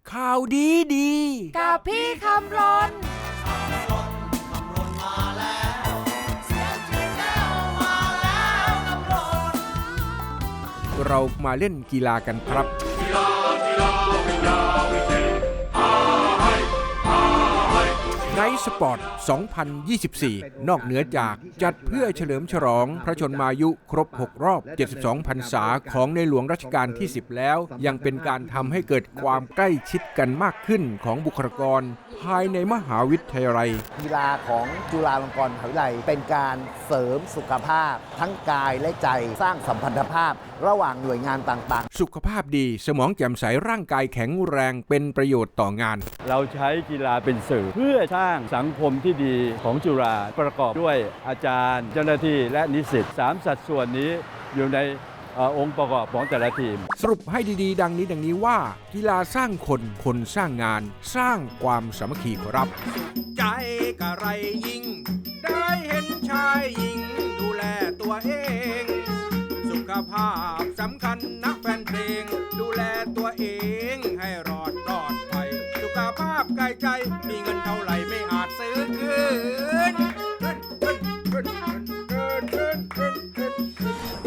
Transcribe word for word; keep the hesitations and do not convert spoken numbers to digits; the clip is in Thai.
ข่าวดีดีกับพี่คำรนเรามาเล่นกีฬากันครับไนท์สปอร์ต สองพันยี่สิบสี่ นอกเหนือจากจัดเพื่อเฉลิมฉลองพระชนมายุครบ หก รอบ เจ็ดสิบสอง พรรษาของในหลวงรัชกาลที่ สิบ แล้ว ยังเป็นการทำให้เกิดความใกล้ชิดกันมากขึ้นของบุคลากรภายในมหาวิทยาลัยกีฬาของจุฬาลงกรณ์มหาวิทยาลัยเป็นการเสริมสุขภาพทั้งกายและใจสร้างสัมพันธภาพระหว่างหน่วยงานต่างๆสุขภาพดีสมองแจ่มใสร่างกายแข็งแรงเป็นประโยชน์ต่องานเราใช้กีฬาเป็นสื่อเพื่อสร้างสังคมที่ดีของจุฬาประกอบด้วยอาจารย์เจ้าหน้าที่และนิสิตสามสัดส่วนนี้อยู่ในองค์ประกอบของแต่ละทีมสรุปให้ดีๆดังนี้ดังนี้ว่ากีฬาสร้างคนคนสร้างงานสร้างความสามัคคีครับใจกะไรยิ่งได้เห็นชายหญิงดูแลตัวเองสุขภาพสำคัญนะแฟนเพลงดูแลตัวเองให้รอดปลอดภัยสุขภาพกายใจมีเงินเท่าไหร่ไม่อาจซื้อคืน